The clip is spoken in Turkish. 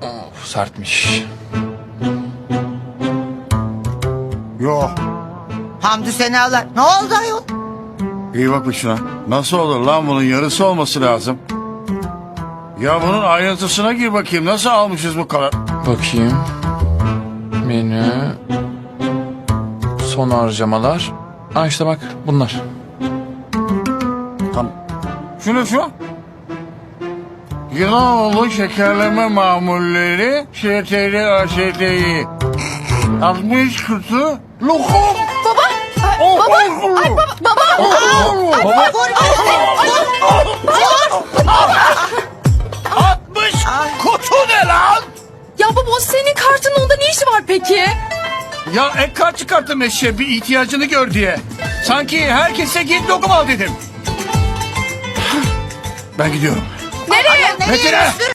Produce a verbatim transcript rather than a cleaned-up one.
Of, sertmiş. Yok. Hamdü senalar. Ne oldu ayol? İyi bak bir şuna. Nasıl olur lan, bunun yarısı olması lazım. Ya bunun ayrıntısına gir bakayım. Nasıl almışız bu kadar? Bakayım. Menü. Son harcamalar. Ha işte bak bunlar. Tamam. Şunu şu. Yılanoğlu şekerleme mamulleri Ş T L A Ş T İ altmış kutu lokum. Baba. Oh, Baba. oh, Ay baba. Baba. Baba. altmış kutu ne lan? Ya baba, o senin kartının, onda ne işi var peki? Ya ek kart çıkarttım eşeğe, bir ihtiyacını gör diye. Sanki herkese git lokum al dedim. Ben gidiyorum. Nereye? Nereye? Metin'e! Sür-